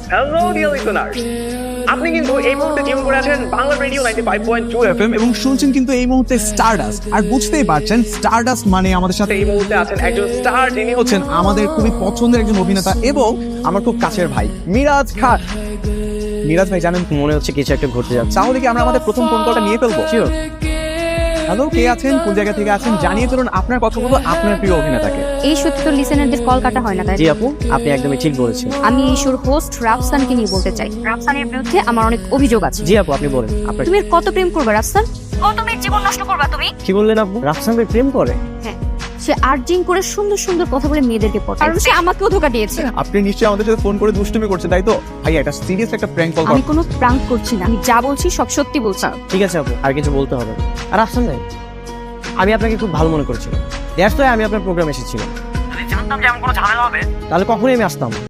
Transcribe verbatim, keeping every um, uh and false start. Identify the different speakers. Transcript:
Speaker 1: Hello dear listeners, আপনি কিন্তু এই মুহূর্তে টিউন করে আছেন Bangla radio ninety five point two FM
Speaker 2: এবং শুনছেন কিন্তু এই মুহূর্তে স্টারডাস্ট। আর বুঝতেই পারছেন স্টারডাস্ট মানে আমাদের সাথে
Speaker 1: এই মুহূর্তে আছেন একজন স্টার, যিনি
Speaker 2: হচ্ছেন আমাদের খুবই পছন্দের একজন অভিনেতা এবং আমার খুব কাছের ভাই মিরাজ খান। মিরাজ ভাই জানেন,
Speaker 3: মনে হচ্ছে কিছু একটা ঘটতে যাচ্ছে।
Speaker 2: তাহলে কি আমরা আমাদের প্রথম ফোন কলটা নিয়ে ফেলবো?
Speaker 3: Sure.
Speaker 2: হ্যালো, কে আছেন, কোন জায়গা থেকে আছেন, জানিয়ে ফেলুন আপনার কথাগুলো আপনার প্রিয় অভিনেতাকে।
Speaker 4: এই সত্যি তো লিসেনারদের কল কাটা হয় না, তাই
Speaker 3: জি আপু, আপনি একদমই ঠিক বলেছেন।
Speaker 4: আমি এই শোর হোস্ট রাফসানকে নিয়ে বলতে চাই। রাফসানের বিরুদ্ধে আমার অনেক অভিযোগ আছে।
Speaker 3: জি আপু, আপনি বলেন। আপনার
Speaker 4: তুমি আর কত প্রেম করবে রাফসান? কত মেয়ের জীবন নষ্ট করবা তুমি?
Speaker 3: কি বললেন আপু? রাফসান ভাই প্রেম করে?
Speaker 4: হ্যাঁ, সে আর্জিং করে সুন্দর সুন্দর কথা বলে মেয়েদেরকে পটায়, কারণ সে আমাকেও ধোকা দিয়েছে।
Speaker 2: আপনি নিশ্চয়ই আমাদের সাথে ফোন করে দুষ্টুমি করছেন, তাই তো? ভাই এটা সিরিয়াস একটা প্র্যাঙ্ক কল।
Speaker 4: আমি কোনো প্রাঙ্ক করছি না, আমি যা বলছি সব সত্যি বলছি।
Speaker 3: ঠিক আছে আপু, আর কিছু বলতে হবে না। আর রাফসান ভাই, আমি আপনাকে খুব ভালো মনে করছিলাম। দ্যাটস ওয়াই আমি আপনার প্রোগ্রাম এসেছিলাম। যদি জানতাম যে এমন কোনো ঝামেলা হবে, তাহলে কখনোই আমি আসতাম।